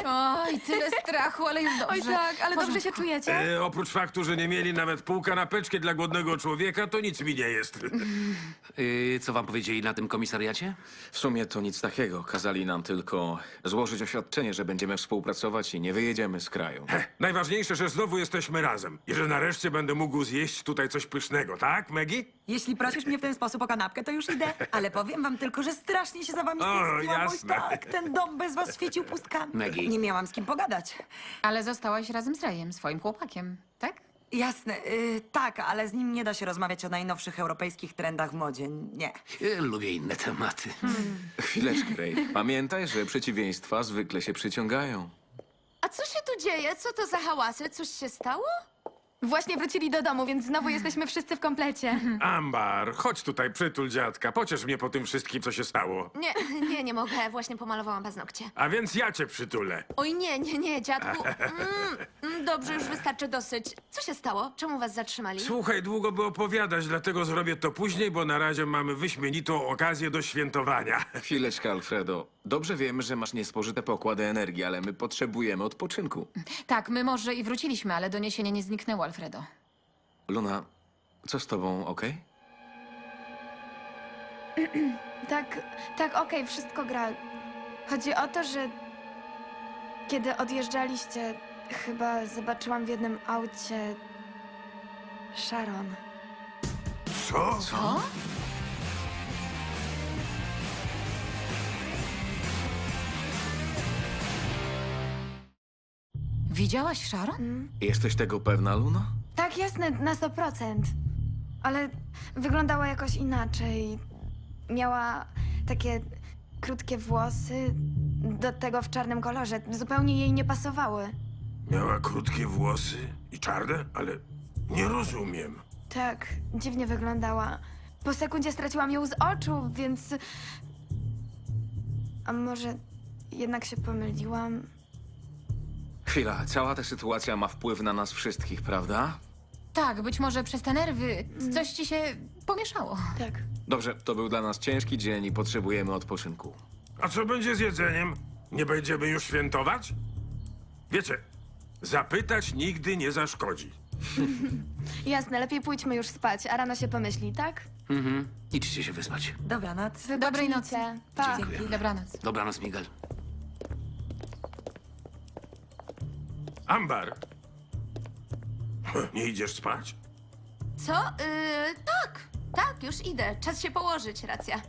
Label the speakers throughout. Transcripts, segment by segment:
Speaker 1: Oj, tyle strachu, ale już dobrze.
Speaker 2: Oj tak, ale
Speaker 1: W
Speaker 2: dobrze się
Speaker 1: porządku.
Speaker 2: czujecie?
Speaker 3: Oprócz faktu, że nie mieli nawet pół kanapeczki dla głodnego człowieka, to nic mi nie jest.
Speaker 4: Co wam powiedzieli na tym komisariacie?
Speaker 5: W sumie to nic takiego. Kazali nam tylko złożyć oświadczenie, że będziemy współpracować i nie wyjedziemy z kraju.
Speaker 3: Najważniejsze, że znowu jesteśmy razem i że nareszcie będę mógł zjeść tutaj coś pysznego, tak, Maggie?
Speaker 6: Jeśli prosisz mnie w ten sposób o kanapkę, to już idę. Ale powiem wam tylko, że strasznie się za wami
Speaker 3: O,
Speaker 6: stęskniłam. Oj,
Speaker 3: jasne.
Speaker 6: tak, ten dom bez was świecił pustkami.
Speaker 4: Maggie.
Speaker 6: Nie miałam z kim pogadać.
Speaker 1: Ale zostałaś razem z Rayem, swoim chłopakiem, tak?
Speaker 6: Jasne, tak, ale z nim nie da się rozmawiać o najnowszych europejskich trendach w modzie. Nie.
Speaker 4: Lubię inne tematy.
Speaker 5: Chwileczkę, Ray. Pamiętaj, że przeciwieństwa zwykle się przyciągają.
Speaker 2: A co się tu dzieje? Co to za hałasy? Coś się stało? Właśnie wrócili do domu, więc znowu jesteśmy wszyscy w komplecie.
Speaker 3: Ambar, chodź tutaj, przytul dziadka. Pociesz mnie po tym wszystkim, co się stało.
Speaker 2: Nie mogę. Właśnie pomalowałam paznokcie.
Speaker 3: A więc ja cię przytulę.
Speaker 2: Oj, nie, dziadku. Dobrze, już wystarczy dosyć. Co się stało? Czemu was zatrzymali?
Speaker 3: Słuchaj, długo by opowiadać, dlatego zrobię to później, bo na razie mamy wyśmienitą okazję do świętowania.
Speaker 5: Chwileczkę, Alfredo. Dobrze wiemy, że masz niespożyte pokłady energii, ale my potrzebujemy odpoczynku.
Speaker 1: Tak, my może i wróciliśmy, ale doniesienie nie zniknęło, Alfredo.
Speaker 5: Luna, co z tobą, okej?
Speaker 7: Tak, okej, wszystko gra. Chodzi o to, że kiedy odjeżdżaliście, chyba zobaczyłam w jednym aucie Sharon.
Speaker 3: Co?
Speaker 1: Co? Widziałaś Sharon?
Speaker 5: Jesteś tego pewna, Luna?
Speaker 7: Tak, jasne, na 100%. Ale wyglądała jakoś inaczej. Miała takie krótkie włosy, do tego w czarnym kolorze. Zupełnie jej nie pasowały.
Speaker 3: Miała krótkie włosy i czarne, ale nie rozumiem.
Speaker 7: Tak, dziwnie wyglądała. Po sekundzie straciłam ją z oczu, więc... A może jednak się pomyliłam?
Speaker 5: Chwila, cała ta sytuacja ma wpływ na nas wszystkich, prawda?
Speaker 1: Tak, być może przez te nerwy coś ci się pomieszało.
Speaker 7: Tak.
Speaker 5: Dobrze, to był dla nas ciężki dzień i potrzebujemy odpoczynku.
Speaker 3: A co będzie z jedzeniem? Nie będziemy już świętować? Wiecie, zapytać nigdy nie zaszkodzi.
Speaker 7: Jasne, lepiej pójdźmy już spać, a rano się pomyśli, tak?
Speaker 4: Idźcie się wyspać.
Speaker 6: Dobranoc.
Speaker 1: Dobrej nocy.
Speaker 7: Pa.
Speaker 4: Dziękuję.
Speaker 1: Dobranoc.
Speaker 4: Dobranoc, Miguel.
Speaker 3: Ambar. Nie idziesz spać?
Speaker 2: Co? Tak, już idę. Czas się położyć, racja.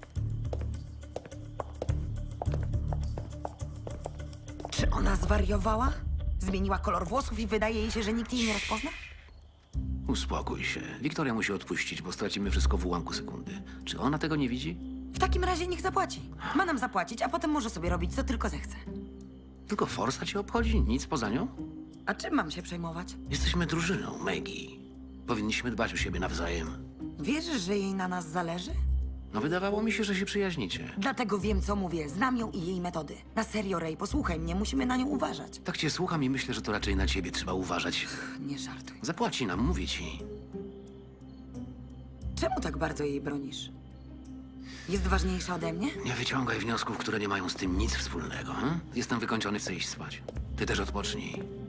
Speaker 6: Czy ona zwariowała? Zmieniła kolor włosów i wydaje jej się, że nikt jej nie rozpozna?
Speaker 4: Uspokój się. Wiktoria musi odpuścić, bo stracimy wszystko w ułamku sekundy. Czy ona tego nie widzi?
Speaker 6: W takim razie niech zapłaci. Ma nam zapłacić, a potem może sobie robić, co tylko zechce.
Speaker 4: Tylko forsa cię obchodzi? Nic poza nią?
Speaker 6: A czym mam się przejmować?
Speaker 4: Jesteśmy drużyną, Maggie. Powinniśmy dbać o siebie nawzajem.
Speaker 6: Wierzysz, że jej na nas zależy?
Speaker 4: No wydawało mi się, że się przyjaźnicie.
Speaker 6: Dlatego wiem, co mówię. Znam ją i jej metody. Na serio, Ray, posłuchaj mnie. Musimy na nią uważać.
Speaker 4: Tak cię słucham i myślę, że to raczej na ciebie trzeba uważać.
Speaker 6: Nie żartuj.
Speaker 4: Zapłaci nam, mówię ci.
Speaker 6: Czemu tak bardzo jej bronisz? Jest ważniejsza ode mnie?
Speaker 4: Nie wyciągaj wniosków, które nie mają z tym nic wspólnego. Jestem wykończony, chcę iść spać. Ty też odpocznij.